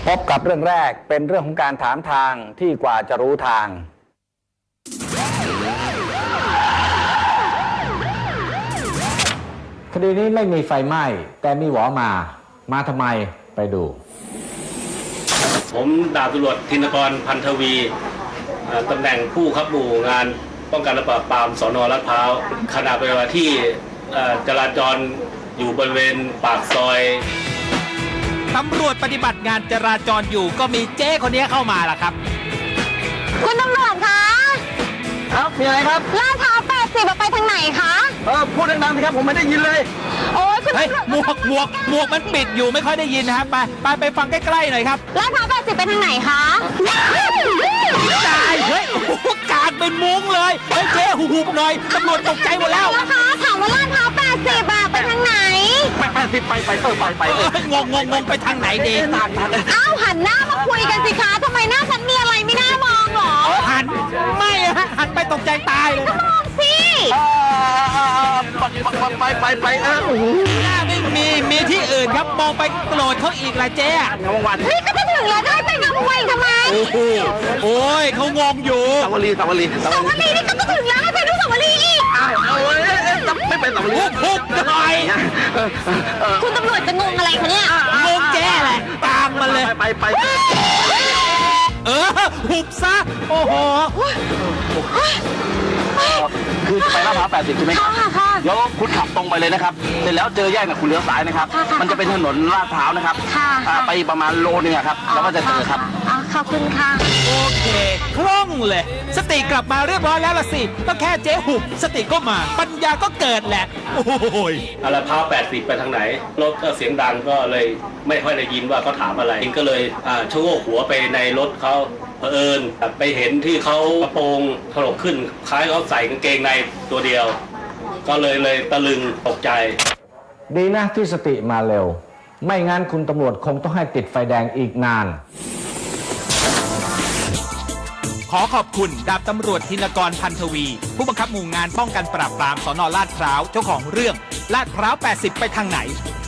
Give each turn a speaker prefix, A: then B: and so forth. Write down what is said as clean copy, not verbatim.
A: พบกับเรื่องแรกเป็นเรื่องของการถามทางที่กว่าจะรู้ทางคดีนี้ไม่มีไฟไหม้แต่มีหวอมาทำไมไปดู
B: ผมดาบตำรวจธินกรพันธวีตำแหน่งผู้ขับหมู่งานป้องกันและปราบปรามสน.ลาดพร้าวขณะปฏิบัติที่จราจรอยู่บริเวณปากซอย
C: ตำรวจปฏิบัติงานจราจรอยู่ก็มีเจ้คนนี้เข้ามาล่ะครับ
D: คุณตำรวจคะ
A: ครับมีอะไรครับ
D: ลาดพร้าว80ไปทางไหนคะ
A: พูดดังๆสิครับผมไม่ได้ยินเลย
D: โอ้ยคุณ
C: เฮ้ยหมวกมันปิดอยู่ไม่ค่อยได้ยินนะครับไปฟังใกล้ๆหน่อยครับ
D: ลาดพร้าว80ไปทางไหนคะ
C: ตายเฮ้ยโอ้โหกาดเป็นมุ้งเลยเฮ้ยเจ๊หุบหน่อยตำรวจตกใจหมดแล้ว
D: นะคะถามว่าลาดพร้าว80ไปทางไหน
A: 80ไป
C: งงไปทางไหนดี
D: อ้าวหันหน้ามาคุยกันสิคะทำไมหน้าฉันมีอะไรไม่น่ามองหรอ
C: หันไปตกใจตายเลย
D: ก็มองสิ
A: ไป
C: หน้าไม่มีที่อื่นครับมองไปโกรธเขาอีกละเจ๊
D: นี่ก็จะถึงแล้วจะให้ไปงามวงวานทำไม
C: โอ้ยเขางงอยู่
A: สาวรีนี่
D: ก็จะถึงแล้วให้ไปดูสาวรีอีก
A: ไม่เป็นสาวรี
C: พุกหน่อย
D: คุณตำรวจจะงงอะไรคะเนี่ย
C: งงเจ๊แหละตามมาเลย
A: ไป
C: หุบซะโอ้โห
A: คือจะไปลาดพร้าว80ใช่ไหมครับแล้วคุณขับตรงไปเลยนะครับเสร็จแล้วเจอแยกคุณเลี้ยวซ้ายนะครับมันจะเป็นถนนลาดพร้าวนะครับไปประมาณโลนึงครับแล้วก็จะเจอครับ
D: ขอบคุณค่ะ
C: โอเคคล่องเลยสติกลับมาเรียบร้อยแล้วล่ะสิก็แค่เจ๊หุบสติก็มาปัญญาก็เกิดแหละโอ้ย
B: ลาดพร้าว80ไปทางไหนรถก็เสียงดังก็เลยไม่ค่อยได้ยินว่าเขาถามอะไรก็เลยชะโงกหัวไปในรถเขาเผอิญไปเห็นที่เขากระโปรงถลกขึ้นคล้ายเขาใส่กางเกงในตัวเดียวก็เลยตะลึงตกใจ
A: ดีนะที่สติมาเร็วไม่งั้นคุณตำรวจคงต้องให้ติดไฟแดงอีกนาน
C: ขอขอบคุณดาบตำรวจธินกรพันธวีผู้บังคับหมู่งานป้องกันปราบปรามสน.ลาดพร้าวเจ้าของเรื่องลาดพร้าว80ไปทางไหน